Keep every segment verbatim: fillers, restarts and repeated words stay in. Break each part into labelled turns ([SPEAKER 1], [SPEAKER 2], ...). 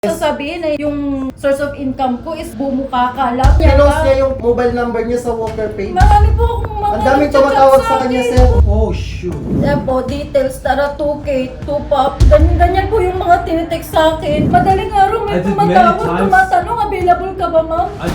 [SPEAKER 1] Sasabihin na yung source of income ko is bumuka ka lang.
[SPEAKER 2] Pinost niya yung mobile number niya sa Walker Pay.
[SPEAKER 1] Marami po akong mga
[SPEAKER 2] Ang daming
[SPEAKER 1] nagchat-chat
[SPEAKER 2] tumatawag sa
[SPEAKER 1] akin.
[SPEAKER 2] kanya, sir. Oh, shoot.
[SPEAKER 1] Yan po, details, tara two K, two pop. Ganyan, ganyan po yung mga tinitext sa akin. Madaling araw may
[SPEAKER 3] I did
[SPEAKER 1] tumatawag,
[SPEAKER 3] many times.
[SPEAKER 1] tumatanong, available ka ba ma'am?
[SPEAKER 3] I,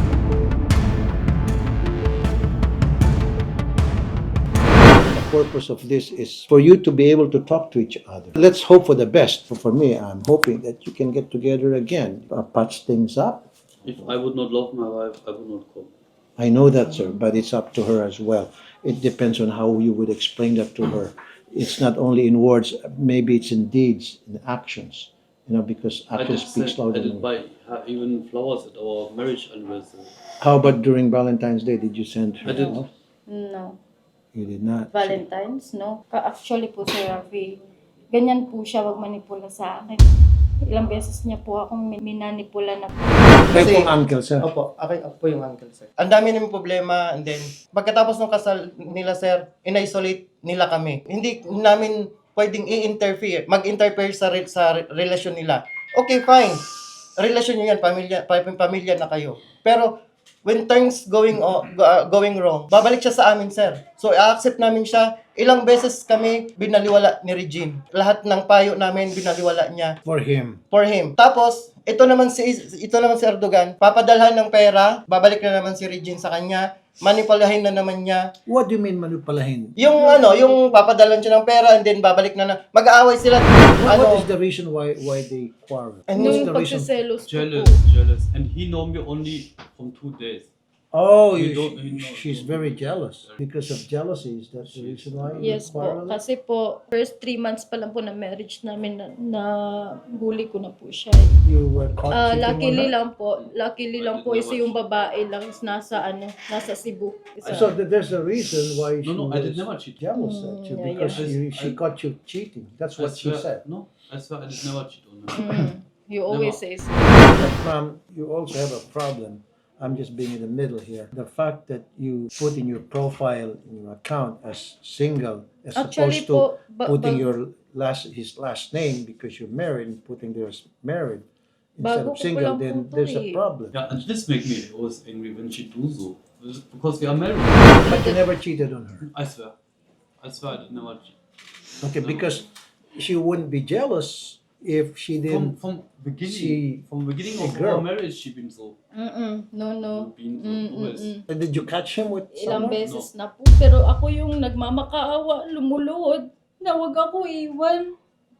[SPEAKER 4] The purpose of this is for you to be able to talk to each other. Let's hope for the best. For, for me, I'm hoping that you can get together again, uh, patch things up.
[SPEAKER 3] if I would not love my wife, I would not come.
[SPEAKER 4] I know that, sir, but it's up to her as well. It depends on how you would explain that to her. It's not only in words, maybe it's in deeds, in actions. You know, because
[SPEAKER 3] I
[SPEAKER 4] action
[SPEAKER 3] did,
[SPEAKER 4] speaks
[SPEAKER 3] send, I
[SPEAKER 4] louder
[SPEAKER 3] did
[SPEAKER 4] than words.
[SPEAKER 3] buy her even flowers at our marriage anniversary.
[SPEAKER 4] How about during Valentine's Day? Did you send her?
[SPEAKER 3] I did.
[SPEAKER 4] off?
[SPEAKER 1] No.
[SPEAKER 4] You did not.
[SPEAKER 1] Valentine's, no? Ka- Actually po, Sir Rafi, ganyan po siya wag manipula sa akin. Ilang beses niya po akong min- minanipula na.
[SPEAKER 4] Kayo
[SPEAKER 2] Kasi-
[SPEAKER 4] pong uncle, sir.
[SPEAKER 2] Opo, ako, ako po yung uncle, sir. Ang dami namin problema, and then, pagkatapos ng kasal nila, sir, in-isolate nila kami. Hindi namin pwedeng i-interfere, mag-interfere sa, re- sa re- relasyon nila. Okay, fine. Relasyon nyo yan, pamilya, pa- pamilya na kayo. Pero, when things going o, go- uh, going wrong, babalik siya sa amin, sir. So, i-accept namin siya. Ilang beses kami binaliwala ni Regine. Lahat ng payo namin binaliwala niya
[SPEAKER 4] For him.
[SPEAKER 2] for him. Tapos, ito naman si ito naman si Erdogan, papadalhan ng pera, babalik na naman si Regine sa kanya, manipulahin na naman niya.
[SPEAKER 4] What do you mean manipulahin?
[SPEAKER 2] Yung ano, yung papadalhan siya ng pera and then babalik na na. Mag-aaway sila.
[SPEAKER 4] What,
[SPEAKER 2] Ano?
[SPEAKER 4] what is the reason why why they quarrel?
[SPEAKER 2] And
[SPEAKER 4] What's
[SPEAKER 1] Yung
[SPEAKER 4] the reason?
[SPEAKER 1] pagsiselos ko
[SPEAKER 3] Jealous,
[SPEAKER 1] po.
[SPEAKER 3] jealous. And he know me only from two days.
[SPEAKER 4] Oh, you,
[SPEAKER 3] We don't- we
[SPEAKER 4] she-
[SPEAKER 3] know-
[SPEAKER 4] she's very jealous. Because of jealousy, is that the reason why you
[SPEAKER 1] Yes po.
[SPEAKER 4] quarrel?
[SPEAKER 1] Kasi po, first three months pa lang po na marriage namin na, na bully ko na po siya.
[SPEAKER 4] You were caught
[SPEAKER 1] Ah,
[SPEAKER 4] cheating
[SPEAKER 1] luckily
[SPEAKER 4] on her?
[SPEAKER 1] lang po, luckily lang po is yung babae lang is nasa ano, nasa Cebu. Isa.
[SPEAKER 4] So th- there's a reason why she
[SPEAKER 3] No, no, I did
[SPEAKER 4] was
[SPEAKER 3] never cheat.
[SPEAKER 4] jealous at you,
[SPEAKER 1] Mm, yeah,
[SPEAKER 4] because
[SPEAKER 3] yeah.
[SPEAKER 4] you,
[SPEAKER 3] I-
[SPEAKER 4] she caught you cheating. That's
[SPEAKER 3] I
[SPEAKER 4] what she
[SPEAKER 3] swear-
[SPEAKER 4] said.
[SPEAKER 3] No, I swear I did never cheat on her.
[SPEAKER 1] Mm, you always say so.
[SPEAKER 4] But ma'am, you also have a problem. I'm just being in the middle here. The fact that you put in your profile, in your account as single, as
[SPEAKER 1] Actually
[SPEAKER 4] opposed to
[SPEAKER 1] po, ba-
[SPEAKER 4] putting
[SPEAKER 1] ba-
[SPEAKER 4] your last his last name because you're married and putting there's married instead
[SPEAKER 1] Bago ko
[SPEAKER 4] of
[SPEAKER 1] pa
[SPEAKER 4] single,
[SPEAKER 1] lang
[SPEAKER 4] then
[SPEAKER 1] po to
[SPEAKER 4] there's a
[SPEAKER 1] eh.
[SPEAKER 4] problem.
[SPEAKER 3] Yeah, and this make me always angry when she do so. Because we are married.
[SPEAKER 4] But you never cheated on her.
[SPEAKER 3] I swear. I swear I did never cheat.
[SPEAKER 4] Okay,
[SPEAKER 3] No.
[SPEAKER 4] because she wouldn't be jealous if she
[SPEAKER 3] From
[SPEAKER 4] didn't.
[SPEAKER 3] from beginning,
[SPEAKER 4] see
[SPEAKER 3] from beginning
[SPEAKER 4] a
[SPEAKER 3] of
[SPEAKER 4] girl.
[SPEAKER 3] our marriage, she been so.
[SPEAKER 1] Mm-mm, no, no.
[SPEAKER 3] Been so
[SPEAKER 1] Mm, mm,
[SPEAKER 3] always.
[SPEAKER 1] mm.
[SPEAKER 4] Uh, Did you catch him with
[SPEAKER 1] Ilang
[SPEAKER 4] someone?
[SPEAKER 1] beses na po. Pero ako yung nagmamakaawa, lumuluhod, na wag ako iwan.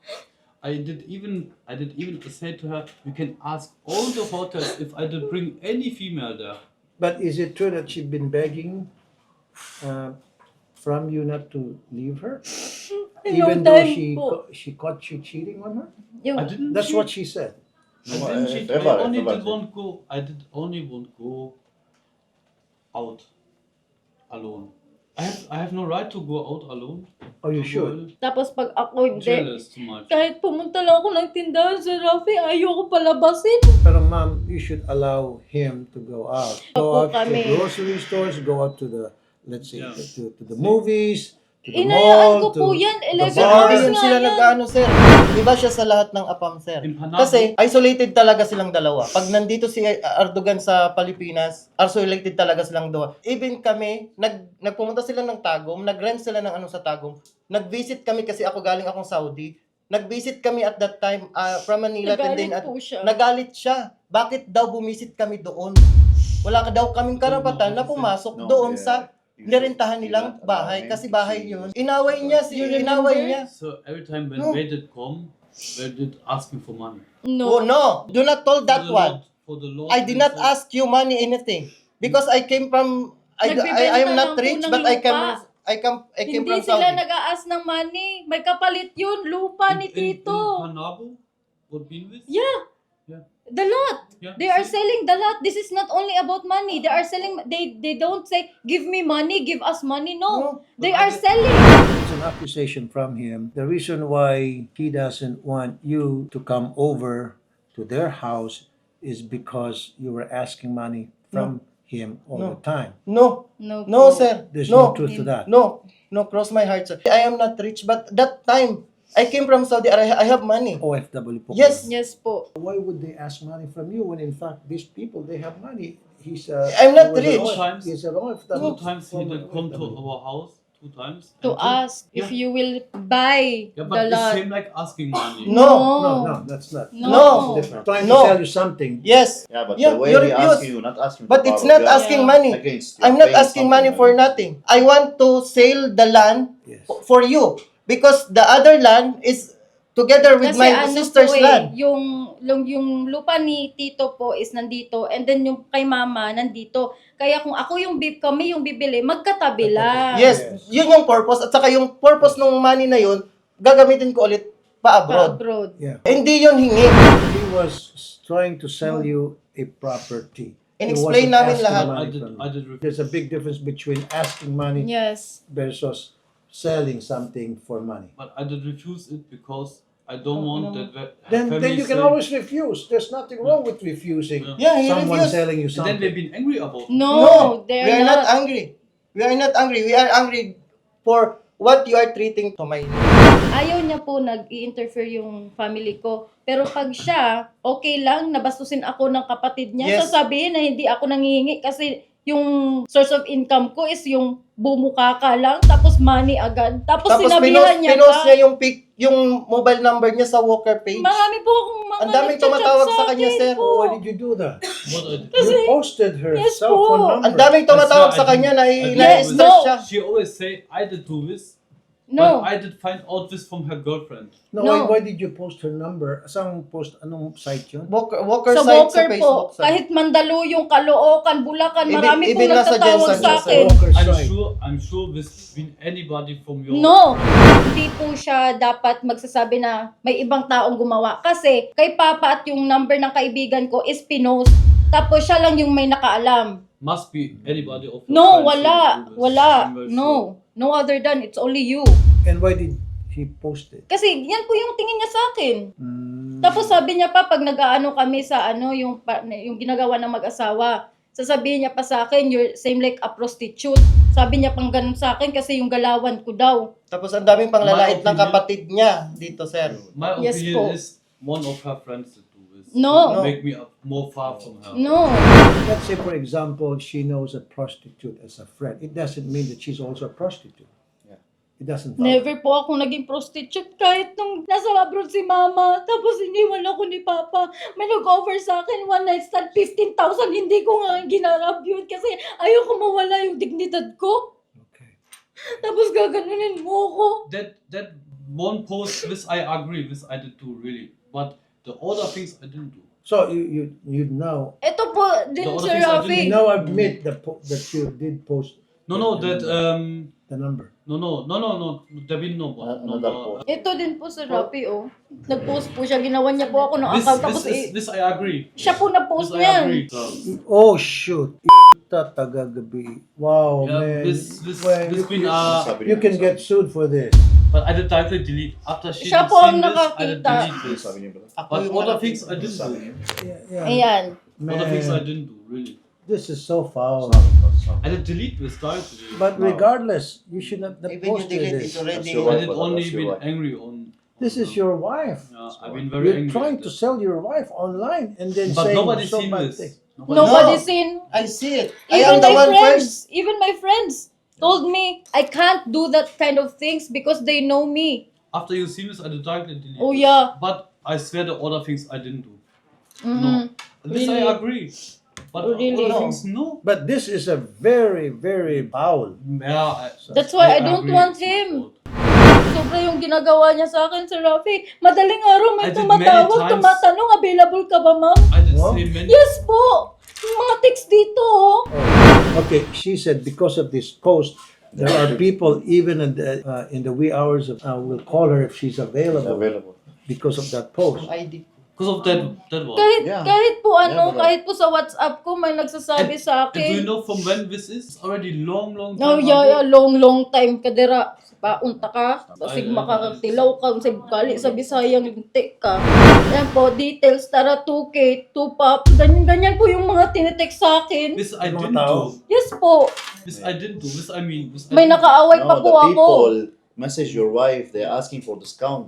[SPEAKER 3] I did even I did even say to her, you can ask all the hotels if I did bring any female there.
[SPEAKER 4] But is it true that she's been begging uh, from you not to leave her, even
[SPEAKER 1] Yung
[SPEAKER 4] though
[SPEAKER 1] time
[SPEAKER 4] she
[SPEAKER 1] po.
[SPEAKER 4] ca- she caught you cheating on her?
[SPEAKER 1] Yung,
[SPEAKER 3] I didn't.
[SPEAKER 4] That's
[SPEAKER 3] cheat.
[SPEAKER 4] what she said.
[SPEAKER 3] I didn't cheat. I
[SPEAKER 5] Ever,
[SPEAKER 3] only
[SPEAKER 5] ever
[SPEAKER 3] did
[SPEAKER 5] cheat.
[SPEAKER 3] want go. I did only want go out alone. I have I have no right to go out alone.
[SPEAKER 4] Oh, you
[SPEAKER 3] To
[SPEAKER 4] should.
[SPEAKER 3] go
[SPEAKER 1] tapos pag ako hindi,
[SPEAKER 3] Jealous too much.
[SPEAKER 1] kahit pumunta lang ako ng tindahan sa Rafi, ayoko palabasin.
[SPEAKER 4] Pero ma'am, you should allow him to go out. Go
[SPEAKER 1] Opo,
[SPEAKER 4] out to
[SPEAKER 1] kami.
[SPEAKER 4] grocery stores, go out to the, let's say,
[SPEAKER 3] Yeah.
[SPEAKER 4] to, to the movies, to the
[SPEAKER 1] Inayaan
[SPEAKER 4] mall,
[SPEAKER 1] ko po
[SPEAKER 4] to
[SPEAKER 1] yan,
[SPEAKER 4] the
[SPEAKER 1] eleven
[SPEAKER 2] Sir,
[SPEAKER 4] bar.
[SPEAKER 1] hours
[SPEAKER 2] hindi
[SPEAKER 1] nga
[SPEAKER 2] sila
[SPEAKER 1] yan.
[SPEAKER 2] nag-ano, sir. Iba siya sa lahat ng apam, sir.
[SPEAKER 3] In Panabo.
[SPEAKER 2] Kasi isolated talaga silang dalawa. Pag nandito si Erdogan sa Pilipinas, isolated talaga silang dalawa. Even kami, nag nagpumunta sila ng Tagum, nag-rent sila ng ano sa Tagum. Nag-visit kami kasi ako galing akong Saudi. Nag-visit kami at that time uh, from Manila. and then
[SPEAKER 1] Nagalit
[SPEAKER 2] at,
[SPEAKER 1] po siya.
[SPEAKER 2] Nagalit siya. Bakit daw bumisit kami doon? Wala ka daw kaming karapatan na pumasok
[SPEAKER 5] No,
[SPEAKER 2] doon
[SPEAKER 5] yeah.
[SPEAKER 2] sa
[SPEAKER 5] You
[SPEAKER 2] nirentahan
[SPEAKER 5] should
[SPEAKER 2] nilang
[SPEAKER 5] not allow
[SPEAKER 2] bahay
[SPEAKER 5] him
[SPEAKER 2] kasi
[SPEAKER 5] to
[SPEAKER 2] bahay
[SPEAKER 5] see
[SPEAKER 2] yun.
[SPEAKER 5] you.
[SPEAKER 2] Inaway niya, si,
[SPEAKER 1] You remember?
[SPEAKER 2] inaway niya.
[SPEAKER 3] So every time when
[SPEAKER 2] No.
[SPEAKER 3] they did come, they did ask me for money.
[SPEAKER 2] Oh
[SPEAKER 1] No.
[SPEAKER 2] no, do not told that
[SPEAKER 3] For the
[SPEAKER 2] one.
[SPEAKER 3] Lord- For the Lord.
[SPEAKER 2] I did not
[SPEAKER 3] himself.
[SPEAKER 2] ask you money anything because I came from I I, I am
[SPEAKER 1] Nagbebenta
[SPEAKER 2] not
[SPEAKER 1] lang po
[SPEAKER 2] rich
[SPEAKER 1] ng
[SPEAKER 2] but I came
[SPEAKER 1] lupa.
[SPEAKER 2] I come I came
[SPEAKER 1] Hindi
[SPEAKER 2] from
[SPEAKER 1] sila
[SPEAKER 2] Saudi.
[SPEAKER 1] nag-aas ng money. May kapalit yun, lupa ni
[SPEAKER 3] In- in-
[SPEAKER 1] Tito.
[SPEAKER 3] In Panabo, what been with?
[SPEAKER 1] Yeah.
[SPEAKER 3] Yeah.
[SPEAKER 1] The lot.
[SPEAKER 3] Yeah.
[SPEAKER 1] They are
[SPEAKER 3] See?
[SPEAKER 1] selling the lot. This is not only about money. They are selling, they they don't say, give me money, give us money. No.
[SPEAKER 2] No.
[SPEAKER 1] They
[SPEAKER 3] But
[SPEAKER 1] are
[SPEAKER 3] I-
[SPEAKER 1] selling.
[SPEAKER 4] It's an accusation from him. The reason why he doesn't want you to come over to their house is because you were asking money from him all
[SPEAKER 2] No.
[SPEAKER 4] the time.
[SPEAKER 2] No.
[SPEAKER 1] No,
[SPEAKER 2] No,
[SPEAKER 1] po.
[SPEAKER 2] sir.
[SPEAKER 4] There's no,
[SPEAKER 2] No.
[SPEAKER 4] truth to that.
[SPEAKER 2] No. No, cross my heart, sir. I am not rich but that time I came from Saudi Arabia. I have money.
[SPEAKER 4] O F W po.
[SPEAKER 2] Yes.
[SPEAKER 1] Yes po.
[SPEAKER 4] Why would they ask money from you when in fact these people, they have money? He's uh,
[SPEAKER 2] I'm not
[SPEAKER 4] he was
[SPEAKER 2] rich.
[SPEAKER 4] an O- He's an O F W.
[SPEAKER 3] Two times he
[SPEAKER 4] former
[SPEAKER 3] did come to
[SPEAKER 4] O F W.
[SPEAKER 3] our house. Two times.
[SPEAKER 1] To
[SPEAKER 3] and then-
[SPEAKER 1] ask if
[SPEAKER 3] Yeah.
[SPEAKER 1] you will buy
[SPEAKER 3] Yeah,
[SPEAKER 1] the
[SPEAKER 3] but it's
[SPEAKER 1] lot.
[SPEAKER 3] same like asking money.
[SPEAKER 2] No.
[SPEAKER 4] No, no, that's not.
[SPEAKER 1] No.
[SPEAKER 2] No.
[SPEAKER 4] It's different. Trying
[SPEAKER 2] No.
[SPEAKER 4] to sell you something.
[SPEAKER 2] Yes.
[SPEAKER 5] Yeah, but
[SPEAKER 2] Yeah,
[SPEAKER 5] the way
[SPEAKER 2] you
[SPEAKER 5] he
[SPEAKER 2] refuse.
[SPEAKER 5] asking you, not asking
[SPEAKER 2] But
[SPEAKER 5] to
[SPEAKER 2] it's
[SPEAKER 5] borrow,
[SPEAKER 2] not
[SPEAKER 5] yeah.
[SPEAKER 2] asking
[SPEAKER 1] Yeah.
[SPEAKER 2] money.
[SPEAKER 5] Against,
[SPEAKER 2] I'm
[SPEAKER 5] you're
[SPEAKER 2] not
[SPEAKER 5] paying
[SPEAKER 2] asking money
[SPEAKER 5] something,
[SPEAKER 2] for
[SPEAKER 5] man.
[SPEAKER 2] nothing. I want to sell the land
[SPEAKER 4] Yes.
[SPEAKER 2] f- for you because the other land is together with
[SPEAKER 1] Kasi
[SPEAKER 2] my
[SPEAKER 1] ano
[SPEAKER 2] sister's
[SPEAKER 1] po eh,
[SPEAKER 2] land.
[SPEAKER 1] yung, yung, yung lupa ni Tito po is nandito and then yung kay Mama nandito. Kaya kung ako yung bib, kami yung bibili, magkatabi lang.
[SPEAKER 2] Yes,
[SPEAKER 4] Yes.
[SPEAKER 2] yun yung purpose. At saka yung purpose ng money na yun, gagamitin ko ulit pa abroad.
[SPEAKER 1] Pa-abroad.
[SPEAKER 4] Yeah.
[SPEAKER 2] Hindi yun hingi.
[SPEAKER 4] He was trying to sell you a property. He
[SPEAKER 2] In-explain
[SPEAKER 4] wasn't
[SPEAKER 2] namin
[SPEAKER 4] asking
[SPEAKER 2] lahat.
[SPEAKER 4] money
[SPEAKER 3] I did.
[SPEAKER 4] from you.
[SPEAKER 3] I did. Refuse.
[SPEAKER 4] There's a big difference between asking money
[SPEAKER 1] Yes.
[SPEAKER 4] versus selling something for money.
[SPEAKER 3] But I did refuse it because I don't
[SPEAKER 1] Oh,
[SPEAKER 3] want
[SPEAKER 1] no.
[SPEAKER 3] that. ve-
[SPEAKER 4] Then,
[SPEAKER 3] family
[SPEAKER 4] then you can
[SPEAKER 3] say-
[SPEAKER 4] always refuse. There's nothing wrong with refusing
[SPEAKER 3] Yeah.
[SPEAKER 2] Yeah, he
[SPEAKER 4] someone
[SPEAKER 2] refused.
[SPEAKER 4] selling you
[SPEAKER 3] And then they've
[SPEAKER 4] something.
[SPEAKER 3] been angry about it.
[SPEAKER 1] No,
[SPEAKER 2] No,
[SPEAKER 1] they're
[SPEAKER 2] we are not.
[SPEAKER 1] not.
[SPEAKER 2] angry. We are not angry. We are angry for what you are treating to my
[SPEAKER 1] Ayaw niya po nag-i-interfere yung family ko. Pero pag siya, okay lang, nabastusin ako ng kapatid niya,
[SPEAKER 2] Yes.
[SPEAKER 1] sasabihin na hindi ako nangihingi kasi yung source of income ko is yung bumuka ka lang, tapos money agad. Tapos,
[SPEAKER 2] Tapos
[SPEAKER 1] sinabihan
[SPEAKER 2] pinost,
[SPEAKER 1] niya
[SPEAKER 2] pinost
[SPEAKER 1] pa.
[SPEAKER 2] niya yung pic, yung mobile number niya sa Walker page.
[SPEAKER 1] Marami po akong mga
[SPEAKER 2] Ang daming
[SPEAKER 1] nagchat-chat
[SPEAKER 2] tumatawag sa
[SPEAKER 1] sa
[SPEAKER 2] kanya,
[SPEAKER 1] akin
[SPEAKER 2] sir.
[SPEAKER 1] po.
[SPEAKER 4] Why did you do that?
[SPEAKER 3] What I did.
[SPEAKER 4] You posted her
[SPEAKER 1] Yes
[SPEAKER 4] cell
[SPEAKER 1] po.
[SPEAKER 4] phone number.
[SPEAKER 2] Ang daming tumatawag sa kanya na
[SPEAKER 3] I did.
[SPEAKER 1] Yes,
[SPEAKER 2] na-stress
[SPEAKER 1] no.
[SPEAKER 2] siya.
[SPEAKER 3] She always say I did do this,
[SPEAKER 1] No.
[SPEAKER 3] but I did find out this from her girlfriend.
[SPEAKER 4] No,
[SPEAKER 1] No.
[SPEAKER 4] Why, why did you post her number? Saan post? Anong site yun?
[SPEAKER 2] Walker, Walker
[SPEAKER 1] Sa
[SPEAKER 2] site
[SPEAKER 1] Walker
[SPEAKER 2] sa Facebook.
[SPEAKER 1] po,
[SPEAKER 2] sir.
[SPEAKER 1] kahit Mandaluyong, Caloocan, Bulacan,
[SPEAKER 2] Even-
[SPEAKER 1] marami pong
[SPEAKER 2] even nasa
[SPEAKER 1] nagtatawag
[SPEAKER 2] Jensen
[SPEAKER 1] sa
[SPEAKER 2] siya, sir.
[SPEAKER 1] akin.
[SPEAKER 4] Walker
[SPEAKER 3] I'm
[SPEAKER 4] site.
[SPEAKER 3] sure. I'm sure this been anybody from your.
[SPEAKER 1] No, hindi po siya dapat magsasabi na may ibang taong gumawa. Kasi kay Papa at yung number ng kaibigan ko is pinost. Tapos siya lang yung may nakaalam.
[SPEAKER 3] Must be anybody of your
[SPEAKER 1] No,
[SPEAKER 3] friends
[SPEAKER 1] wala.
[SPEAKER 3] who do this.
[SPEAKER 1] Wala.
[SPEAKER 3] I'm very sure.
[SPEAKER 1] No. No other than it's only you.
[SPEAKER 4] And why did he post it?
[SPEAKER 1] Kasi yan po yung tingin niya sa akin.
[SPEAKER 4] Mm.
[SPEAKER 1] Tapos sabi niya pa pag nag-aano kami sa ano yung pa- yung ginagawa ng mag-asawa, sasabihin niya pa sa akin you're same like a prostitute. Sabi niya pang ganun sa akin kasi yung galawan ko daw.
[SPEAKER 2] Tapos ang daming panglalait ng
[SPEAKER 3] My opinion-
[SPEAKER 2] kapatid niya dito, sir.
[SPEAKER 3] My
[SPEAKER 1] Yes
[SPEAKER 3] opinion
[SPEAKER 1] po.
[SPEAKER 3] is one of her friends that do this.
[SPEAKER 1] No.
[SPEAKER 3] To make me up more far from her.
[SPEAKER 1] No.
[SPEAKER 4] Let's say, for example, she knows a prostitute as a friend. It doesn't mean that she's also a prostitute.
[SPEAKER 5] Yeah.
[SPEAKER 4] It doesn't follow.
[SPEAKER 1] Never po ako naging prostitute kahit nung nasa abroad si mama. Tapos iniwan ako ni papa. May nag-offer sa akin one night stand fifteen thousand. Hindi ko nga ginarap yun kasi ayoko mawala yung dignidad ko.
[SPEAKER 4] Okay.
[SPEAKER 1] Tapos gaganunin mo ako.
[SPEAKER 3] That that one post, this I agree, this I did do really. But the other things I didn't do.
[SPEAKER 4] So you you you now
[SPEAKER 1] Ito po din,
[SPEAKER 3] The other
[SPEAKER 1] Sir
[SPEAKER 3] things I
[SPEAKER 1] Rafi.
[SPEAKER 4] you now admit that po- that you did post
[SPEAKER 3] No, no, that um,
[SPEAKER 4] the number.
[SPEAKER 3] no, no, no, no, no. There been no one. No,
[SPEAKER 5] Another
[SPEAKER 3] no.
[SPEAKER 5] post.
[SPEAKER 1] Ito din po, Sir Rafi, oh. Nag-post po siya. Ginawa niya po ako ng
[SPEAKER 3] This,
[SPEAKER 1] account.
[SPEAKER 3] this,
[SPEAKER 1] Tapos
[SPEAKER 3] is,
[SPEAKER 1] eh,
[SPEAKER 3] this I agree.
[SPEAKER 1] siya po na-post
[SPEAKER 3] This I
[SPEAKER 1] niyan.
[SPEAKER 3] agree. So,
[SPEAKER 4] Oh shoot! Tagagabi. Wow,
[SPEAKER 3] yeah,
[SPEAKER 4] man.
[SPEAKER 3] this, this,
[SPEAKER 4] Well,
[SPEAKER 3] this
[SPEAKER 4] you,
[SPEAKER 3] been uh,
[SPEAKER 4] you can get sued for this.
[SPEAKER 3] but I did directly delete after she
[SPEAKER 1] Siya
[SPEAKER 3] did
[SPEAKER 1] po ang
[SPEAKER 3] seen this. I did
[SPEAKER 1] nakakita.
[SPEAKER 3] delete this.
[SPEAKER 5] Sabi niyo ba?
[SPEAKER 2] Ako
[SPEAKER 3] But
[SPEAKER 2] yung
[SPEAKER 3] other
[SPEAKER 2] nakakita.
[SPEAKER 3] things I didn't
[SPEAKER 5] Sabi
[SPEAKER 3] do.
[SPEAKER 5] niyo.
[SPEAKER 4] Yeah, yeah.
[SPEAKER 1] Ayan.
[SPEAKER 3] Other things I
[SPEAKER 4] Man,
[SPEAKER 3] didn't do really.
[SPEAKER 4] this is so foul.
[SPEAKER 3] I did delete this directly.
[SPEAKER 4] But
[SPEAKER 5] No.
[SPEAKER 4] regardless, you should not have
[SPEAKER 2] Even you
[SPEAKER 4] posted
[SPEAKER 2] delete
[SPEAKER 4] this.
[SPEAKER 2] it already.
[SPEAKER 5] That's your
[SPEAKER 3] I
[SPEAKER 5] wife,
[SPEAKER 3] did
[SPEAKER 5] but
[SPEAKER 3] only
[SPEAKER 5] that's your
[SPEAKER 3] been
[SPEAKER 5] wife.
[SPEAKER 3] angry on.
[SPEAKER 4] This is your wife.
[SPEAKER 3] Yeah, I've been very
[SPEAKER 4] You're
[SPEAKER 3] angry.
[SPEAKER 4] trying
[SPEAKER 3] at
[SPEAKER 4] to
[SPEAKER 3] that.
[SPEAKER 4] sell your wife online and then
[SPEAKER 3] But
[SPEAKER 4] saying
[SPEAKER 3] nobody
[SPEAKER 4] so
[SPEAKER 3] seen
[SPEAKER 4] bad
[SPEAKER 3] this.
[SPEAKER 4] things.
[SPEAKER 3] Nobody-
[SPEAKER 1] Nobody
[SPEAKER 2] No.
[SPEAKER 1] seen.
[SPEAKER 2] I see it. I
[SPEAKER 1] Even
[SPEAKER 2] am the
[SPEAKER 1] my
[SPEAKER 2] one
[SPEAKER 1] friends,
[SPEAKER 2] first.
[SPEAKER 1] even my friends told me I can't do that kind of things because they know me.
[SPEAKER 3] After you see this, I did directly delete.
[SPEAKER 1] Oh,
[SPEAKER 3] this.
[SPEAKER 1] yeah.
[SPEAKER 3] But I swear the other things I didn't do.
[SPEAKER 1] Mhm.
[SPEAKER 3] No. This
[SPEAKER 1] Really?
[SPEAKER 3] I agree. But
[SPEAKER 1] Oh, really?
[SPEAKER 3] other
[SPEAKER 2] No.
[SPEAKER 3] things, no.
[SPEAKER 4] But this is a very, very foul.
[SPEAKER 3] Yeah, I,
[SPEAKER 1] That's why I don't
[SPEAKER 3] agree.
[SPEAKER 1] want him. Sobra yung ginagawa niya sa akin, Sir Rafi. Madaling araw may
[SPEAKER 3] I did
[SPEAKER 1] tumatawag,
[SPEAKER 3] many times.
[SPEAKER 1] tumatanong, available ka ba, ma'am?
[SPEAKER 3] I did
[SPEAKER 4] What?
[SPEAKER 3] say many.
[SPEAKER 1] Yes po! Yung mga text dito, oh.
[SPEAKER 4] Okay, she said because of this post, there are people even in the uh, in the wee hours of uh, will call her if she's available
[SPEAKER 5] Available.
[SPEAKER 4] because of that post.
[SPEAKER 2] I D.
[SPEAKER 3] Because of that, that one.
[SPEAKER 1] Kahit,
[SPEAKER 5] Yeah.
[SPEAKER 1] kahit po ano,
[SPEAKER 5] Yeah, but-
[SPEAKER 1] kahit po sa WhatsApp ko, may nagsasabi
[SPEAKER 3] And-
[SPEAKER 1] sa
[SPEAKER 3] And do you
[SPEAKER 1] akin.
[SPEAKER 3] know from when this is? It's already long, long time
[SPEAKER 1] No, yeah, yeah,
[SPEAKER 3] ago.
[SPEAKER 1] long, long time kadira. Paunta ka, basig
[SPEAKER 3] Ay, ay,
[SPEAKER 1] makakatilaw ka, sa gali sa Bisayang lintik ka. Yan po, details, tara, two K, two pop, ganyan-ganyan po yung mga tinetext sa akin.
[SPEAKER 3] This I
[SPEAKER 4] Mga
[SPEAKER 3] didn't
[SPEAKER 4] tao.
[SPEAKER 3] do.
[SPEAKER 1] Yes po,
[SPEAKER 3] This I didn't do. This I mean. This I
[SPEAKER 1] may
[SPEAKER 3] didn't do.
[SPEAKER 1] nakaaway pa
[SPEAKER 5] No,
[SPEAKER 1] po
[SPEAKER 5] the
[SPEAKER 1] ako.
[SPEAKER 5] people message your wife. They're asking for discount.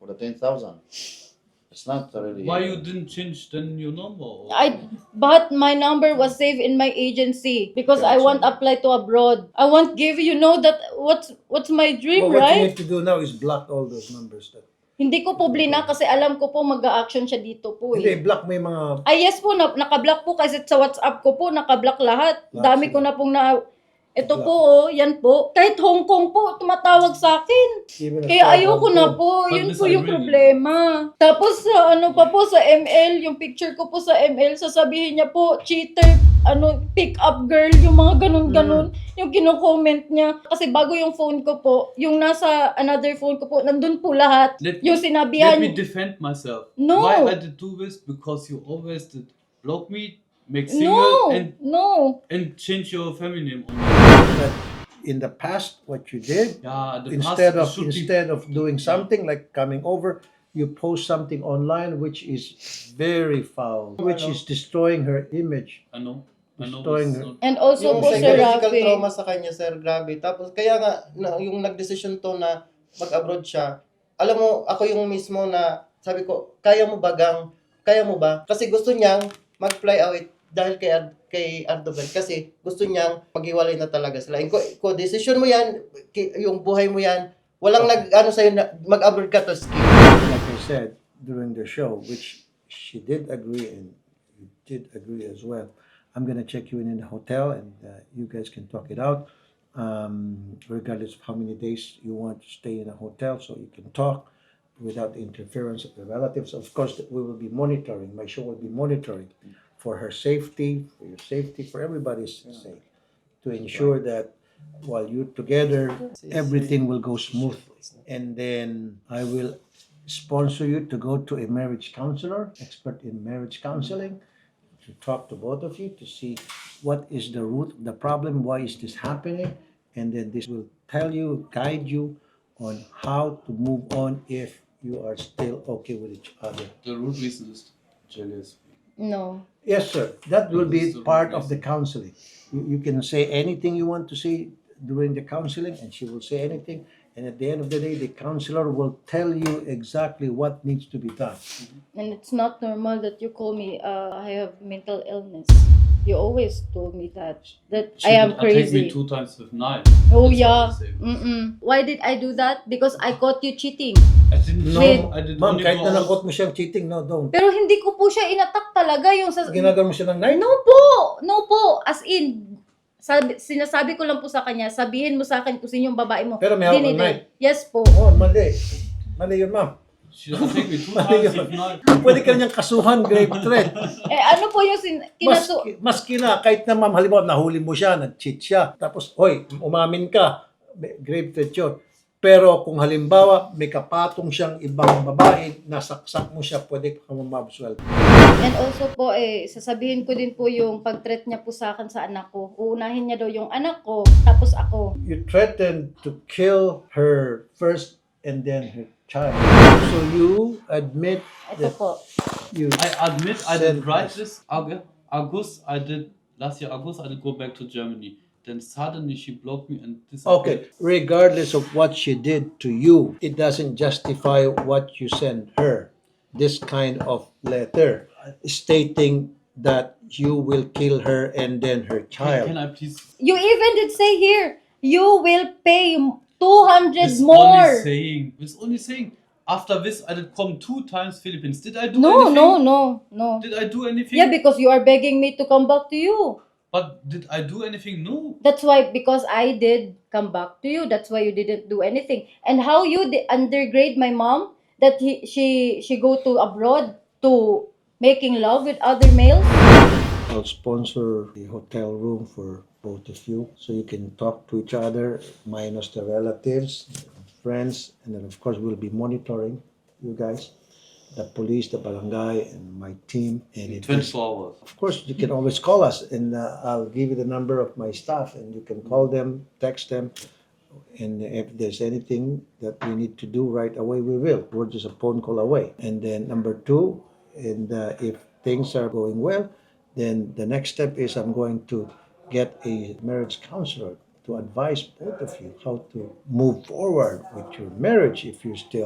[SPEAKER 5] for the ten thousand. It's not really.
[SPEAKER 3] Why you didn't change then your number? or-
[SPEAKER 1] I but my number was saved in my agency because I
[SPEAKER 5] Gotcha.
[SPEAKER 1] want apply to abroad. I want give you know that what's what's my dream,
[SPEAKER 4] Well, what you
[SPEAKER 1] right?
[SPEAKER 4] need to do now is block all those numbers. That,
[SPEAKER 1] Hindi ko po blina kasi alam ko po mag-a-action siya dito po
[SPEAKER 4] hindi,
[SPEAKER 1] eh.
[SPEAKER 4] block mo yung mga...
[SPEAKER 1] Ay yes po, na, naka-block po kasi sa WhatsApp ko po, naka-block lahat.
[SPEAKER 4] Lahat
[SPEAKER 1] Dami ko
[SPEAKER 4] sila.
[SPEAKER 1] na pong na... Ito
[SPEAKER 4] Block.
[SPEAKER 1] po, oh, yan po. Kahit Hong Kong po, tumatawag sa akin.
[SPEAKER 4] Even a
[SPEAKER 1] Kaya
[SPEAKER 4] cell
[SPEAKER 1] ayoko
[SPEAKER 4] phone
[SPEAKER 1] na
[SPEAKER 4] call.
[SPEAKER 1] po.
[SPEAKER 3] But
[SPEAKER 1] Yun
[SPEAKER 3] this
[SPEAKER 1] po
[SPEAKER 3] I
[SPEAKER 1] yung
[SPEAKER 3] really-
[SPEAKER 1] problema. Tapos sa ano pa po sa M L, yung picture ko po sa M L, sasabihin niya po, cheater, ano, pick up girl, yung mga ganun-ganun. Yung kino-comment niya. Kasi bago yung phone ko po, yung nasa another phone ko po, nandun po lahat.
[SPEAKER 3] Let,
[SPEAKER 1] Yung sinabihan.
[SPEAKER 3] let me defend myself.
[SPEAKER 1] No.
[SPEAKER 3] Why I did do this? Because you always did block me, make single,
[SPEAKER 1] No,
[SPEAKER 3] and
[SPEAKER 1] no.
[SPEAKER 3] and change your family name. On
[SPEAKER 4] But in the past, what you did,
[SPEAKER 3] yeah, the
[SPEAKER 4] instead
[SPEAKER 3] past
[SPEAKER 4] of
[SPEAKER 3] should be-
[SPEAKER 4] instead of doing something like coming over, you post something online which is very foul, which is destroying her image.
[SPEAKER 3] I know. I know.
[SPEAKER 4] destroying
[SPEAKER 3] it's
[SPEAKER 4] her.
[SPEAKER 3] not-
[SPEAKER 1] And also
[SPEAKER 2] Yung
[SPEAKER 1] po, Sir
[SPEAKER 2] psychological
[SPEAKER 1] Rafi.
[SPEAKER 2] trauma sa kanya, sir, grabe. Tapos, kaya nga, na, yung nagdesisyon to na mag-abroad siya, alam mo, ako yung mismo na, sabi ko, kaya mo ba, gang? Kaya mo ba? Kasi gusto niyang mag-fly out dahil kay, Erd- kay Erdogan. Kasi gusto niyang maghiwalay na talaga sila. Ko, ko decision mo yan, ki- yung buhay mo yan, walang nag, ano sa'yo, na, mag-abroad ka to skip.
[SPEAKER 4] Like I said during the show, which she did agree and you did agree as well. I'm gonna check you in in the hotel, and uh, you guys can talk it out. Um, regardless of how many days you want to stay in a hotel, so you can talk without the interference of the relatives. Of course, we will be monitoring. My show will be monitoring for her safety, for your safety, for everybody's sake, to ensure that while you're together, everything will go smooth. And then I will sponsor you to go to a marriage counselor, expert in marriage counseling, to talk to both of you to see what is the root of the problem, why is this happening, and then this will tell you, guide you on how to move on if you are still okay with each other.
[SPEAKER 3] The root reason is jealous.
[SPEAKER 1] No.
[SPEAKER 4] Yes, sir. That will be
[SPEAKER 3] This is the
[SPEAKER 4] part
[SPEAKER 3] root
[SPEAKER 4] of the counseling. You, you can say anything you want to say during the counseling, and she will say anything. And at the end of the day, the counselor will tell you exactly what needs to be done.
[SPEAKER 1] And it's not normal that you call me, uh, I have mental illness. You always told me that, that
[SPEAKER 3] She
[SPEAKER 1] I am
[SPEAKER 3] did attack me
[SPEAKER 1] crazy.
[SPEAKER 3] two times with knife.
[SPEAKER 1] Oh
[SPEAKER 3] That's
[SPEAKER 1] yeah.
[SPEAKER 3] what they say.
[SPEAKER 1] Mm-mm. Why did I do that? Because I caught you cheating.
[SPEAKER 3] I didn't
[SPEAKER 4] No,
[SPEAKER 3] know. I did
[SPEAKER 4] ma'am,
[SPEAKER 3] only
[SPEAKER 4] kahit
[SPEAKER 3] go
[SPEAKER 4] na
[SPEAKER 3] out.
[SPEAKER 4] nakot mo siyang cheating, no, don't.
[SPEAKER 1] Pero hindi ko po siya inattack talaga yung sa...
[SPEAKER 4] Ginagawa mo siya ng knife?
[SPEAKER 1] No po! No po! As in, sabi, sinasabi ko lang po sa kanya, sabihin mo sa akin kung sino yung babae mo.
[SPEAKER 4] Pero may hawak
[SPEAKER 1] Dinidate.
[SPEAKER 4] ng knife.
[SPEAKER 1] Yes po.
[SPEAKER 4] Oh, mali. Mali yun, ma'am.
[SPEAKER 3] She attacked me two
[SPEAKER 4] Mali
[SPEAKER 3] times
[SPEAKER 4] yun.
[SPEAKER 3] with knife.
[SPEAKER 4] Pwede ka niyang kasuhan, grave threat.
[SPEAKER 1] Eh ano po yung sin...
[SPEAKER 4] Mas,
[SPEAKER 1] Kinaso...
[SPEAKER 4] maski na, kahit na ma'am, halimbawa, nahuli mo siya, nag-cheat siya, tapos, hoy, umamin ka, may- grave threat yun. Pero kung halimbawa, may kapatong siyang ibang babae, nasaksak mo siya, pwede ka mamabswell.
[SPEAKER 1] And also po, eh, sasabihin ko din po yung pag-threat niya po sa akin sa anak ko. Uunahin niya daw yung anak ko, tapos ako.
[SPEAKER 4] You threatened to kill her first and then her child. So you admit
[SPEAKER 1] Ito
[SPEAKER 4] that
[SPEAKER 1] po.
[SPEAKER 4] you
[SPEAKER 3] I admit I
[SPEAKER 4] Send
[SPEAKER 3] did write
[SPEAKER 4] us.
[SPEAKER 3] this Aug- August. I did last year August. I did go back to Germany. Then suddenly she blocked me and this.
[SPEAKER 4] Okay, regardless of what she did to you, it doesn't justify what you send her. This kind of letter stating that you will kill her and then her
[SPEAKER 3] Can,
[SPEAKER 4] child.
[SPEAKER 3] can I please?
[SPEAKER 1] You even did say here, you will pay two hundred
[SPEAKER 3] It's
[SPEAKER 1] more.
[SPEAKER 3] only saying. It's only saying. After this, I did come two times Philippines. Did I do
[SPEAKER 1] No,
[SPEAKER 3] anything?
[SPEAKER 1] no, no, no.
[SPEAKER 3] Did I do anything?
[SPEAKER 1] Yeah, because you are begging me to come back to you.
[SPEAKER 3] But did I do anything? No.
[SPEAKER 1] That's why, because I did come back to you. That's why you didn't do anything. And how you di- undergrade my mom that he, she she go to abroad to making love with other males.
[SPEAKER 4] I'll sponsor the hotel room for both of you so you can talk to each other, minus the relatives, friends, and then of course we'll be monitoring you guys, the police, the barangay, and my team. And if there's-
[SPEAKER 3] twenty-four hours.
[SPEAKER 4] of course, you can always call us, and uh, I'll give you the number of my staff, and you can call them, text them, and if there's anything that we need to do right away, we will. We're just a phone call away. And then number two, and uh, if things are going well, then the next step is I'm going to get a marriage counselor to advise both of you how to move forward with your marriage if you're still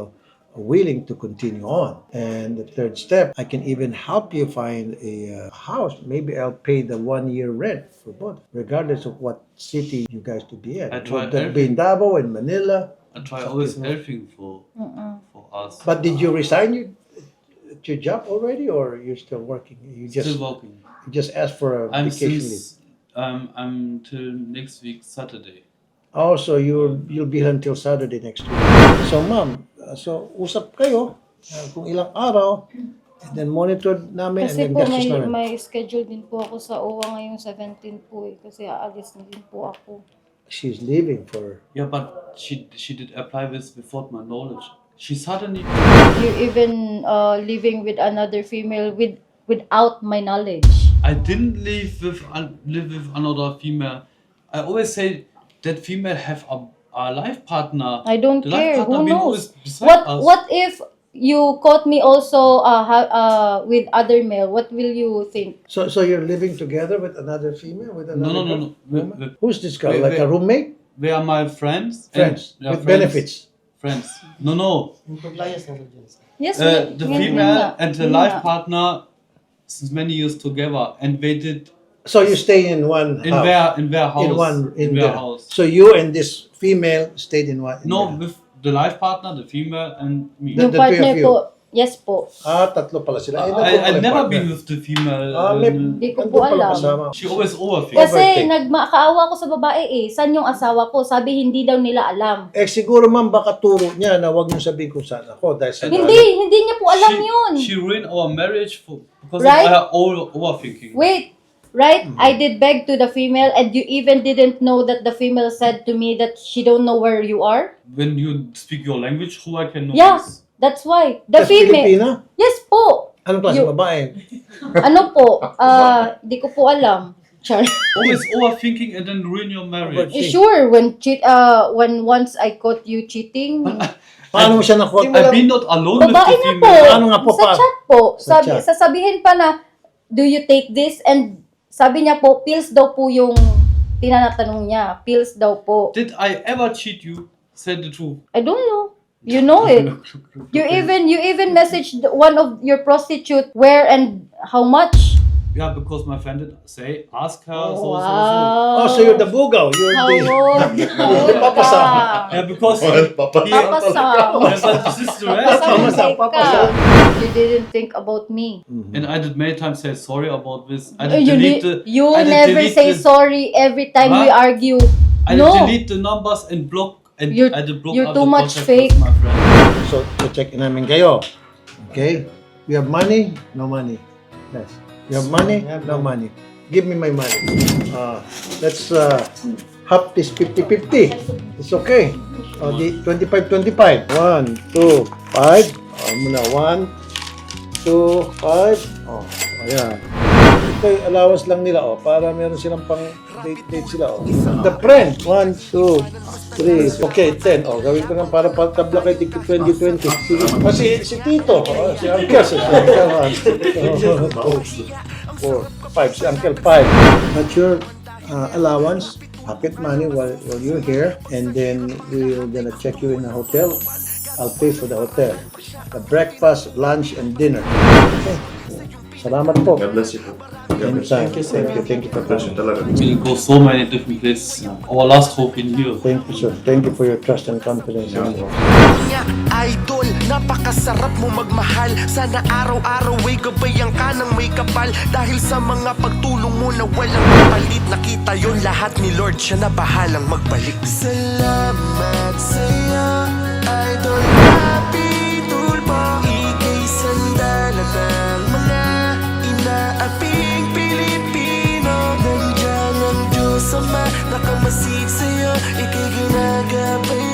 [SPEAKER 4] willing to continue on. And the third step, I can even help you find a uh, house. Maybe I'll pay the one year rent for both, regardless of what city you guys to be in.
[SPEAKER 3] I tried
[SPEAKER 4] Would that be in Davao, in Manila?
[SPEAKER 3] I try always everything for for us.
[SPEAKER 4] But did you resign your, your job already, or you're still working? You just
[SPEAKER 3] Still working.
[SPEAKER 4] you just asked for a
[SPEAKER 3] I'm
[SPEAKER 4] vacation leave.
[SPEAKER 3] since um I'm till next week Saturday.
[SPEAKER 4] Oh, so you'll you'll be here until Saturday next week. So, ma'am, uh, so usap kayo uh, kung ilang araw, and then monitor namin,
[SPEAKER 1] Kasi
[SPEAKER 4] and then
[SPEAKER 1] po
[SPEAKER 4] gastos
[SPEAKER 1] may,
[SPEAKER 4] namin.
[SPEAKER 1] may schedule din po ako sa O W A ngayong seventeen po eh. Kasi aalis na din po ako.
[SPEAKER 4] She's leaving for.
[SPEAKER 3] Yeah, but she she did apply this without my knowledge. She suddenly
[SPEAKER 1] You even uh, living with another female with without my knowledge.
[SPEAKER 3] I didn't live with un- live with another female. I always say that female have a, a life partner.
[SPEAKER 1] I don't
[SPEAKER 3] The life
[SPEAKER 1] care.
[SPEAKER 3] partner
[SPEAKER 1] Who
[SPEAKER 3] been
[SPEAKER 1] knows?
[SPEAKER 3] always beside
[SPEAKER 1] What
[SPEAKER 3] us.
[SPEAKER 1] what if you caught me also uh, ha- uh, with other male? What will you think?
[SPEAKER 4] So, so you're living together with another female, with
[SPEAKER 3] No,
[SPEAKER 4] another
[SPEAKER 3] no, no,
[SPEAKER 4] girl?
[SPEAKER 3] no. We,
[SPEAKER 4] woman?
[SPEAKER 3] we,
[SPEAKER 4] Who's this girl?
[SPEAKER 3] wait,
[SPEAKER 4] Like a
[SPEAKER 3] wait.
[SPEAKER 4] roommate?
[SPEAKER 3] they are my friends. and-
[SPEAKER 4] Friends
[SPEAKER 3] yeah,
[SPEAKER 4] with
[SPEAKER 3] friends,
[SPEAKER 4] benefits.
[SPEAKER 3] Friends. No, no.
[SPEAKER 2] Yung compliance na dyan, sir.
[SPEAKER 1] Yes,
[SPEAKER 3] Uh,
[SPEAKER 1] we-
[SPEAKER 3] the
[SPEAKER 1] yun- yun
[SPEAKER 3] female
[SPEAKER 1] nga.
[SPEAKER 3] and the
[SPEAKER 1] Yun
[SPEAKER 3] life
[SPEAKER 1] nga.
[SPEAKER 3] partner since many years together, and they did
[SPEAKER 4] So you stay in one
[SPEAKER 3] in
[SPEAKER 4] house.
[SPEAKER 3] their in their house.
[SPEAKER 4] in one in,
[SPEAKER 3] their
[SPEAKER 4] their
[SPEAKER 3] house.
[SPEAKER 4] So you and this female stayed in one. in
[SPEAKER 3] No,
[SPEAKER 4] their-
[SPEAKER 3] with the life partner, the female, and me.
[SPEAKER 4] The-
[SPEAKER 1] Yung
[SPEAKER 4] the three
[SPEAKER 1] partner
[SPEAKER 4] of you.
[SPEAKER 1] po, yes po.
[SPEAKER 4] Ah, tatlo pala sila. Eh,
[SPEAKER 3] I,
[SPEAKER 4] nandun
[SPEAKER 3] I've
[SPEAKER 4] pala yung
[SPEAKER 3] never
[SPEAKER 4] partner.
[SPEAKER 3] been with the female.
[SPEAKER 4] Ah, may,
[SPEAKER 3] um,
[SPEAKER 1] Di ko
[SPEAKER 4] nandun
[SPEAKER 1] po
[SPEAKER 4] pala
[SPEAKER 1] alam.
[SPEAKER 4] kasama.
[SPEAKER 3] she always overthinks.
[SPEAKER 1] Kasi
[SPEAKER 4] Overtake.
[SPEAKER 1] nagmakaawa ko sa babae eh. San yung asawa ko? Sabi hindi daw nila alam.
[SPEAKER 4] Eh siguro ma'am baka turo niya na wag niyo sabihin kung saan ako dahil sa
[SPEAKER 1] Hindi, hindi niya po alam
[SPEAKER 3] she,
[SPEAKER 1] yun.
[SPEAKER 3] She ruined our marriage for because
[SPEAKER 1] Right?
[SPEAKER 3] of her over, overthinking.
[SPEAKER 1] Wait, right?
[SPEAKER 4] Mm-hmm.
[SPEAKER 1] I did beg to the female and you even didn't know that the female said to me that she don't know where you are?
[SPEAKER 3] When you speak your language, who I can know
[SPEAKER 1] Yeah,
[SPEAKER 3] this?
[SPEAKER 1] that's why. The
[SPEAKER 4] That's
[SPEAKER 1] female.
[SPEAKER 4] Pilipina?
[SPEAKER 1] Yes po.
[SPEAKER 4] Anong klase
[SPEAKER 1] You-
[SPEAKER 4] babae?
[SPEAKER 1] Ano po? Ah, di ko po alam. Char.
[SPEAKER 3] Always overthinking and then ruin your marriage.
[SPEAKER 1] Eh, Sure, when cheat uh when once I caught you cheating,
[SPEAKER 4] Paano mo siya nakuha?
[SPEAKER 3] I've been not alone with
[SPEAKER 1] babae
[SPEAKER 3] the
[SPEAKER 1] na po.
[SPEAKER 3] female.
[SPEAKER 4] Ano nga po
[SPEAKER 1] sa
[SPEAKER 4] pa?
[SPEAKER 1] chat po.
[SPEAKER 4] Sa
[SPEAKER 1] Sabi,
[SPEAKER 4] chat.
[SPEAKER 1] sasabihin pa na, do you take this? And sabi niya po, pills daw po yung tinatanong niya. Pills daw po.
[SPEAKER 3] Did I ever cheat you? Say the truth.
[SPEAKER 1] I don't know. You know it. You even you even messaged one of your prostitute where and how much?
[SPEAKER 3] Yeah, because my friend did say, ask her. So, so, so.
[SPEAKER 1] Wow.
[SPEAKER 4] Oh, so you're the bugaw. You're
[SPEAKER 1] How
[SPEAKER 4] the...
[SPEAKER 1] old? How old
[SPEAKER 4] Papa
[SPEAKER 1] ka?
[SPEAKER 4] Sam.
[SPEAKER 3] Yeah, because
[SPEAKER 5] Papa.
[SPEAKER 3] he,
[SPEAKER 1] Papa Sam.
[SPEAKER 3] yeah, but this is the rest.
[SPEAKER 4] Papa Sam,
[SPEAKER 1] Papa
[SPEAKER 4] Papa Sam.
[SPEAKER 1] You didn't think about me.
[SPEAKER 3] And I did many times say sorry about this. I did
[SPEAKER 1] You,
[SPEAKER 3] delete
[SPEAKER 1] ne-
[SPEAKER 3] the.
[SPEAKER 1] you
[SPEAKER 3] I did
[SPEAKER 1] never
[SPEAKER 3] delete
[SPEAKER 1] say
[SPEAKER 3] the,
[SPEAKER 1] sorry every time we
[SPEAKER 3] Huh?
[SPEAKER 1] argue.
[SPEAKER 3] I did
[SPEAKER 1] No.
[SPEAKER 3] delete the numbers and block. And
[SPEAKER 1] You're-
[SPEAKER 3] I did block
[SPEAKER 1] you're
[SPEAKER 3] out
[SPEAKER 1] too
[SPEAKER 3] the
[SPEAKER 1] much
[SPEAKER 3] contact
[SPEAKER 1] fake.
[SPEAKER 3] with my friend.
[SPEAKER 4] So, so check namin kayo. Okay? You have money? No money. Yes. You have money? No money. Give me my money. Uh, let's uh, half this fifty fifty. It's okay. O, di twenty-five twenty-five. one, two, five. O, muna. one, two, five. O, ayan. Ito yung allowance lang nila, o, para meron silang pang date-date sila, o. The friend. one, two, three. Okay, ten. O, gawin ko lang para patabla kay Tiki twenty twenty. Sige. O, si, si Tito. O, si Uncle. Si Uncle. one, two, four, five. Si Uncle, five. That's your uh, allowance, pocket money while, while you're here. And then we're gonna check you in a hotel. I'll pay for the hotel. The breakfast, lunch, and dinner. Okay. Salamat po.
[SPEAKER 5] God bless you po. God bless
[SPEAKER 4] Anytime.
[SPEAKER 5] you.
[SPEAKER 4] Thank you. Thank you for
[SPEAKER 5] God bless you
[SPEAKER 4] coming.
[SPEAKER 5] talaga.
[SPEAKER 3] We'll go so many different places. Our last hope in here.
[SPEAKER 4] Thank you, sir. Thank you for your trust and confidence in me.
[SPEAKER 6] Niya, idol, napakasarap mo magmahal. Sana araw-araw ay gabayan ka ng may kapal. Dahil sa mga pagtulong mo na walang kapalit, nakita yon lahat ni Lord, siya na bahalang magbalik. Salamat sa'yo, idol. Happy tulpo, ika'y sandala ng mga inaaping Pilipino. Nandiyan ang Diyos Ama, nakamasig sa'yo, ika'y ginagabay